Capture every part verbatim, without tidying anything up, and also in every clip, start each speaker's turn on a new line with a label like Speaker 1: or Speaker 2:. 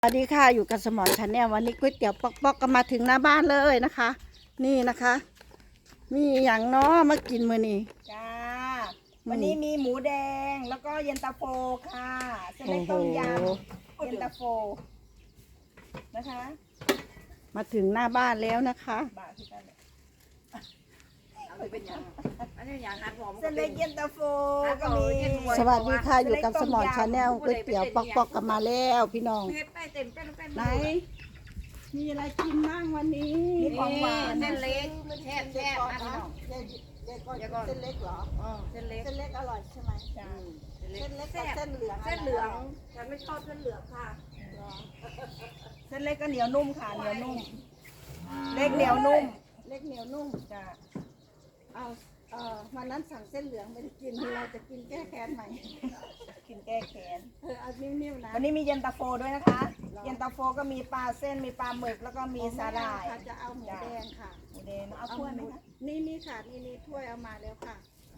Speaker 1: สวัสดีค่ะอยู่กับสมอนชาแนลวันนี้ก๋วยเตี๋ยวปอกๆก็มาถึงหน้าบ้านเลยนะคะ นี่นะคะ มีอย่างน้อมากินมื้อนี้
Speaker 2: จ้าวันนี้มีหมูแดงแล้วก็เย็นตาโฟค่ะเส้นเล็กต้มยำเย็นตาโฟนะคะ
Speaker 1: มาถึงหน้าบ้านแล้วนะคะ
Speaker 2: บาทที่กันเลยเส้นเล็กเย็นตาโฟก็มี
Speaker 1: สวัสดีค่ะอยู่กับสมอนชาแนลก๋วยเตี๋ยวปอกๆก็มาแล้วพี่น้องไหนมีอะไรกินบ้างวันนี้
Speaker 2: มีของหวาน
Speaker 3: เส้นเล็กแซ่บแซ่บอันนี้
Speaker 1: เส้นเล็กเหรอ
Speaker 3: เส้นเล็ก
Speaker 1: เส้นเล็กอร่อยใช่ไหม
Speaker 2: จ้า
Speaker 1: เส้นเล็กกับเส้นเหลือง
Speaker 3: เส้นเหลืองฉันไม่ชอบเส้นเหลืองค่ะ
Speaker 2: เส้นเล็กก็เหนียวนุ่มค่ะเหนียวนุ่มเล็กเหนียวนุ่ม
Speaker 1: เล็กเหนียวนุ่ม
Speaker 2: จ้า
Speaker 1: เอาเอ่อวันนั้นสั่งเส้นเหลืองไปกินเราจะกินแก้แค้นใหม่
Speaker 2: กินแก้แค้น
Speaker 1: เออเอานิ่มๆนะ
Speaker 2: วันนี้มีเย็นตาโฟด้วยนะคะ เย็นตาโฟก็มีปลาเส้นมีปลาหมึกแล้วก็มีสาหร่าย
Speaker 1: ค่ะจะเอาหมูแดงค่ะ
Speaker 2: หมูแดงเอาถ้วยไหมคะ
Speaker 1: นี่นี่ค่ะนี่นี่ถ้วยเอามาแล้วค่ะ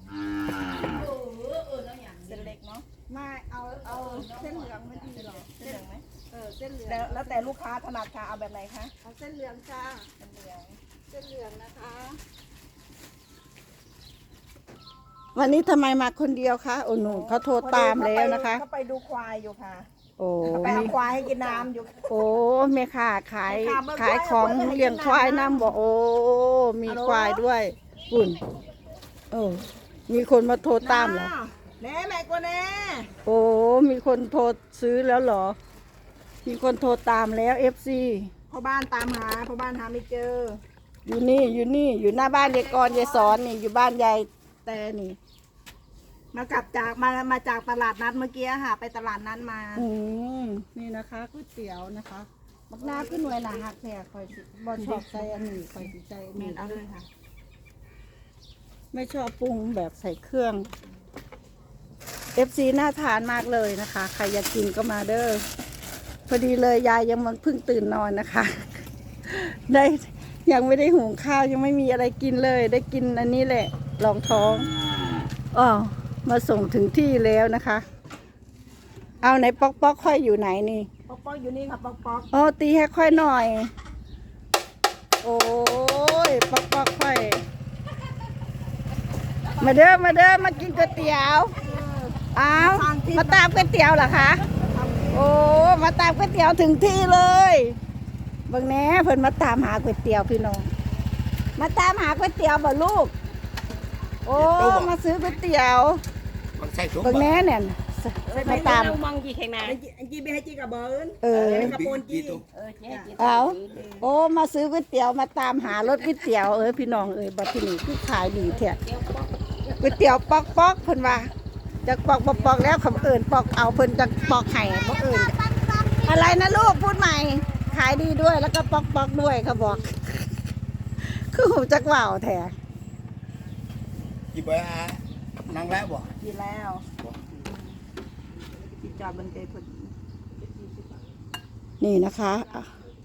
Speaker 2: เส้นเล็กเนาะ
Speaker 1: มาเอาเอาเส้นเหลืองมันดีเหรอ
Speaker 2: เส้นเหลืองไหม
Speaker 1: เออเส้นเหลือง
Speaker 2: แล้วแล้วแต่ลูกค้าถนัดค่ะเอาแบบไหนคะ
Speaker 1: เอาเส้นเหลืองจ้า
Speaker 2: เส้นเหลือง
Speaker 1: เส้นเหลืองนะคะ วันนี้ทำไมมาคนเดียวคะโอ้หนูเขาโทรตามแล้วนะคะ
Speaker 2: เขาไปดูควายอยู่ค่ะ
Speaker 1: โอ้
Speaker 2: ไปเอาควายให้กินน้ำอยู่
Speaker 1: โอ้แม่ค่ะขาย
Speaker 2: แม่ค้าเบิ่ง
Speaker 1: ขายของ
Speaker 2: ควาย
Speaker 1: เลี้ยงควายน้ำบอกโอ้มีควายด้วยอุ่นโอ้มีคนมาโทรตามเหรอ
Speaker 2: แน่แม่กว่าแน่
Speaker 1: โอ้มีคนโทรซื้อแล้วเหรอ มีคนโทรตามแล้วเอฟซี
Speaker 2: พ่อบ้านตามหาพ่อบ้านหาไม่เจอ
Speaker 1: อยู่นี่อยู่นี่อยู่หน้าบ้านยายกรยายสอนนี่อยู่บ้านยายแต่นี่
Speaker 2: มากลับจากมามาจากตลาดนัดเมื่อกี้ค่ะ ไปตลาดนัดมา
Speaker 1: อืมนี่นะคะก๋วยเตี๋ยวนะคะบักหน้าขึ้นหน่วยหนาหักแผลคอยสิบอชอบใส่อันนี้คอยสิใจอัน
Speaker 2: เม
Speaker 1: นี้
Speaker 2: นเอาเลยค่ะ
Speaker 1: ไม่ชอบปรุงแบบใส่เครื่องเอฟซีน่าทานมากเลยนะคะ ใครอยากกินก็มาเด้อพอดีเลยยายยังมันเพิ่งตื่นนอนนะคะ ได้ยังไม่ได้หุงข้าวยังไม่มีอะไรกินเลย ได้กินอันนี้แหละรองท้องอ๋อมาส่งถึงที่แล้วนะคะ เอาไหนป๊อกป๊อกค่อยอยู่ไหนนี่
Speaker 2: ป๊อกป๊อกอยู่นี่ค่ะป๊อกป๊อก
Speaker 1: อ๋อตีให้ค่อยหน่อย โอ้ยป๊อกป๊อกค่อย มาเด้อมาเด้อมากินก๋วยเตี๋ยวอ้าวมาตามก๋วยเตี๋ยวเหรอคะโอ้มาตามก๋วยเตี๋ยวถึงที่เลยเบิ่งแหน่เพิ่นมาตามหาก๋วยเตี๋ยวพี่น้องมาตามหาก๋วยเตี๋ยวบ่ลูกโอ้มาซื้อก๋วยเตี๋ยวเบิ่งแหน่เนี่ยมาตาม
Speaker 3: มองกี่แข่งนา
Speaker 2: ไอ้จีไอ้จีไปให้จีกับเบิร์น
Speaker 1: เออ
Speaker 2: กระโปนจี
Speaker 3: เออเจ๊
Speaker 1: เอาโอ้มาซื้อก๋วยเตี๋ยวมาตามหารถก๋วยเตี๋ยวเอ้ยพี่น้องเอ้ยบัดที่นี่คือขายดีแท้ก๋วยเตี๋ยวปอกปอกเพิ่นว่าจากปอกบ่ปอกแล้วคำเอิ่นปอกเอาเพิ่นจากปอกไห้บ่เอิ่นอะไรนะลูกพูดใหม่ ขายดีด้วยแล้วก็ปอกปอกด้วยเขาบอก คือหูจักว่าวแท้
Speaker 4: จีบอ่ะนั่งแล้วบ่
Speaker 2: จีแล้วจีจอดบนเกยพอดี
Speaker 1: นี่นะคะอ่ะ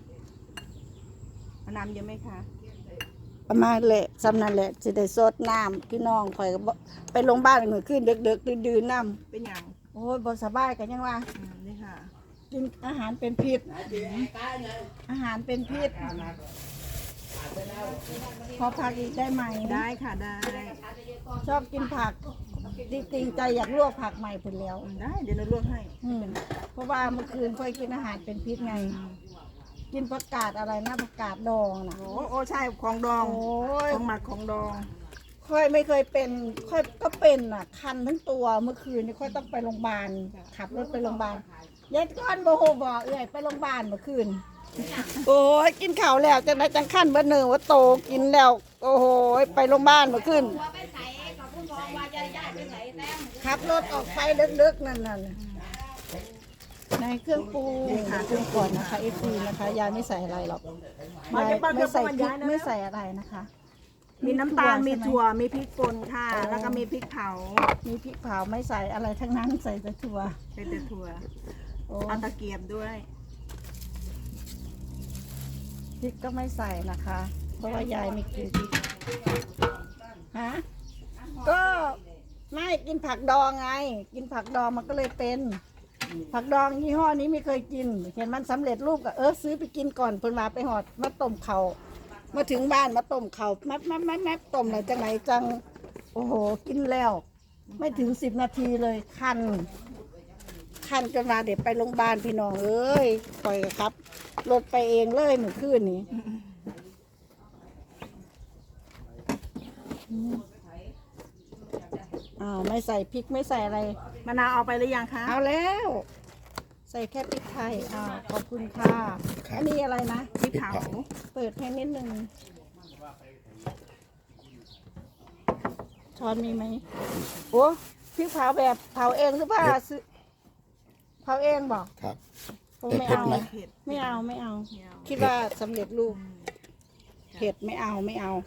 Speaker 2: เอาน้ำเยอะไหมคะ
Speaker 1: ประมาณแหละสำนันแหละสิได้สดน้ำพี่น้องข่อยก็บ่ไปโรงพยาบาลเหมือนขึ้นดึกๆดื่นๆน้ำ
Speaker 2: เป็นอย่าง
Speaker 1: โอ้ยบ่สบายกันยังว่า
Speaker 2: อืมนี่ค่ะ
Speaker 1: กินอาหารเป็นพิษ อาหารเป็นพิษ พอพักอีกได้ไหม
Speaker 2: ได้ค่ะได้
Speaker 1: ชอบกินผักจริงๆใจอยากลวกผักใหม่พุ่นแล้ว
Speaker 2: ได้เดี๋ยวเราลวกให้
Speaker 1: อืมเพราะว่าเมื่อคืนค่อยกินอาหารเป็นพิษไง กินผักกาดอะไรนะผักกาดดองนะ
Speaker 2: โอ้โอ้ใช่ของดอง
Speaker 1: โอ้ย
Speaker 2: ของหมักของดอง
Speaker 1: ค่อยไม่เคยเป็นค่อยก็เป็นอ่ะ คันทั้งตัวเมื่อคืนนี่ค่อยต้องไปโรงพยาบาลขับรถไปโรงพยาบาลยายก้อนโบโหบอกเอ้ยไปโรงพยาบาลเมื่อคืน โอ้ยกินข้าวแล้วจังไรจังขั้นเบอร์หนึ่งว่าโตกินแล้ว โอ้โหไปโรงพยาบาลเมื่อคืน
Speaker 3: ไปใส่กับผู้กองว่าจะย้ายไปใส่แต้ม
Speaker 1: ขับรถออกไปลึกๆนั่นน่ะในเครื่องปรุงค่ะเครื่องก่อนนะคะเอฟซีนะคะยายไม่ใส่อะไรหรอกยายไม่ใส่พริกไม่ใส่อะไรนะคะ
Speaker 2: มีน้ำตาลมี
Speaker 1: ใช่ไห
Speaker 2: ถั่วมีพริกป่นค่ะ
Speaker 1: อ๋อ
Speaker 2: แล้วก็มีพริกเผา
Speaker 1: มีพริกเผาไม่ใส่อะไรทั้งนั้นใส่แต่ถั่ว
Speaker 2: เป็นแต่ถั่ว
Speaker 1: โอ้
Speaker 2: เอาตะเกียบด้วย
Speaker 1: พริกก็ไม่ใส่นะคะ เพราะว่ายายไม่กินพริกฮะก็ไม่กินผักดองไง กินผักดองมันก็เลยเป็นผักดองยี่ห้อนี้ไม่เคยกิน เห็นมันสำเร็จรูปก็เออซื้อไปกินก่อนเพิ่นมาไปหอดมาต้มเขามาถึงบ้านมาต้มเขาแมบแมบแมบแมบต้มอะไรจังไหนจังโอ้โหกินแล้ว ไม่ถึงสิบนาทีเลยคันคันจนมาเดี๋ยวไปโรงพยาบาลพี่น้องเอ้ยปล่อยครับรถไปเองเลยเมื่อคืนนี้อ้าวไม่ใส่พริกไม่ใส่อะไร
Speaker 2: มะนาวเอาไปหรือยังคะ
Speaker 1: เอาแล้ว ใส่แค่พริกไทยอ้าวขอบคุณค่ะอันนี้อะไรนะ
Speaker 2: พริกเผา
Speaker 1: เปิดให้นิดนึงช้อนมีไหมโอ้พริกเผาแบบเผาเองหรือเปล่าซื้อเผาเองบอก
Speaker 4: ครับ
Speaker 1: ผม
Speaker 4: แต่
Speaker 1: ไม่
Speaker 4: เผ็ด
Speaker 1: เอา
Speaker 4: ไหม
Speaker 2: เผ็ด
Speaker 1: ไม่เอาไม่เอา
Speaker 2: ไม่เอา
Speaker 1: คิดว่าสำเร็จรูปเผ็ดไม่เอาไม่เอา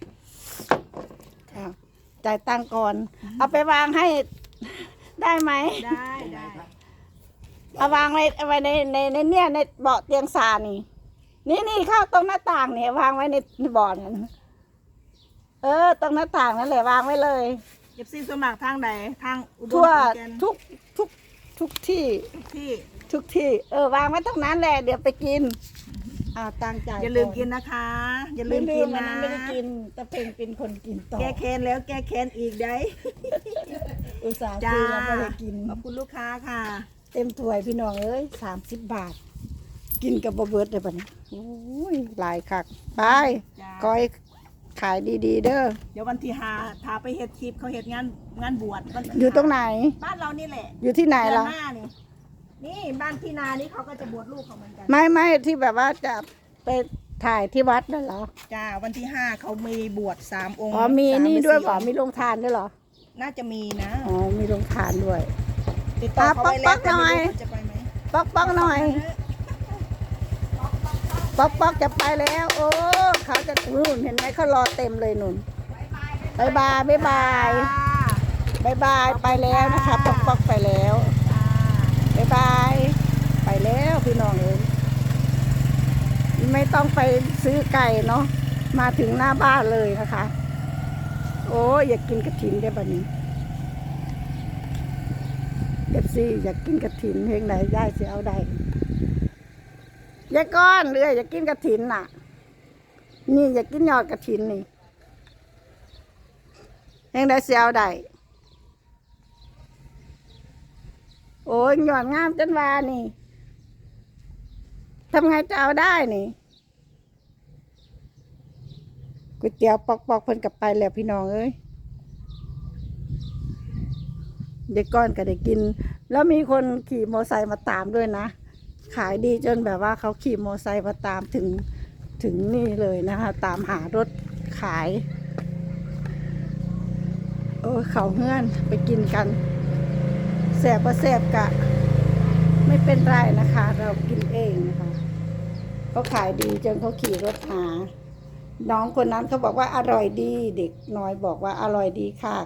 Speaker 1: อ้าวจ่ายตังค์ก่อน เอาไปวางให้ ได้ไหม
Speaker 2: ได้ได้
Speaker 1: เอาวางไว้เอาไว้ในในในเนี่ยในเบาะเตียงซานี่ นี่นี่เข้าตรงหน้าต่างเนี่ยวางไว้ในเบาะนั่นเออตรงหน้าต่างนั่นแหละวางไว้เลย
Speaker 2: เก็บซีสมัครทางใดทางอุดร
Speaker 1: ทั่ว
Speaker 2: ขอนแก่น
Speaker 1: ทุกทุกทุกที่
Speaker 2: ที่
Speaker 1: ทุกที่ เออ วางไว้ตรงนั้นแหละเดี๋ยวไปกินอ่าตังจ่าย
Speaker 2: อย่าลืมกินนะคะ อย่าลื
Speaker 1: ไม่
Speaker 2: ม
Speaker 1: ลื
Speaker 2: กิ
Speaker 1: ม
Speaker 2: น
Speaker 1: วัน
Speaker 2: นะ
Speaker 1: นั้นไม่ได้กินแต่เพ่งเป็นคนกินต่อ
Speaker 2: แก้แค้นแล้วแก้แค้นอีกได้
Speaker 1: อุตส่าห์
Speaker 2: จ้า
Speaker 1: ซื้อแล้วไม่ได้กิน
Speaker 2: ขอบคุณลูกค้าค่ะ
Speaker 1: เต็มถ้วยพี่น้องเอ้ยสามสิบบาท กินกับบะเบิดเลยปะเนี่ยโอ้ยหลายคักไป
Speaker 2: จ้า
Speaker 1: ก้อยขายดีๆ เด้อ
Speaker 2: เดี๋ยววันที่หาพาไปเฮ็ดคลิปเขาเฮ็ดงานงานบวชวันที่
Speaker 1: อยู่ตรงไหน
Speaker 2: บ้านเรานี่แหละ
Speaker 1: อยู่ที่ไหน
Speaker 2: เดือน
Speaker 1: ล่ะ
Speaker 2: หน้านี่นี่บ้านพี่นานี่เขาก็จะบวชลูกเขาเหมือนกัน
Speaker 1: ไม่ไม่ที่แบบว่าจะไปถ่ายที่วัดนั่นเหรอ
Speaker 2: จ้าวันที่ห้าเขามีบวชสามองค์
Speaker 1: อ๋อมี
Speaker 2: สา
Speaker 1: นี่
Speaker 2: หรือ
Speaker 1: ด้วย
Speaker 2: สี่
Speaker 1: เหรอ
Speaker 2: องค์
Speaker 1: มีโรงทานด้วยเหรอ
Speaker 2: น่าจะมีนะ
Speaker 1: อ๋อมีโรงทานด้วย
Speaker 2: ติดต่อเขาไว้แล้ว
Speaker 1: ป๊อกๆ
Speaker 2: แต่ไม่
Speaker 1: หน่อย
Speaker 2: รู้เขาจะไปไหม
Speaker 1: ป๊อกป๊อกหน่อยป๊อกป๊อกจะไปแล้ว โอ้เขาจะนู่นเห็นไหมเขารอเต็มเลยนุ่นบายบายบายบายบายบายไปแล้วนะคะป๊อกป๊อกไปแล้วบายบายไปแล้วพี่น้องเอ้ยไม่ต้องไปซื้อไก่เนาะมาถึงหน้าบ้านเลยนะคะ โอ้ยอยากกินกระถินได้บัดนี้เอฟซีอยากกินกระถินเพลงไหนได้สิเอาได้ยายก้อนเรืออยากกินกระถินน่ะ นี่อยากกินยอดกระถินนี่เพลงไหนสิเอาได้โอ้ยยอดงามจันวานี่ทำไงจะเอาได้นี่ก๋วยเตี๋ยวปอกๆเพิ่นกลับไปแล้วพี่น้องเอ้ยเด็กก้อนก็ได้กิน แล้วมีคนขี่มอไซค์มาตามด้วยนะ ขายดีจนแบบว่าเขาขี่มอไซค์มาตามถึงถึงนี่เลยนะคะ ตามหารถขาย โอ้เขาเฮื่อนไปกินกันแสบก็แสบกะ ไม่เป็นไรนะคะ เรากินเองนะคะเขาขายดีจนเขาขี่รถหา น้องคนนั้นเขาบอกว่าอร่อยดี เด็กน้อยบอกว่าอร่อยดีค่ะ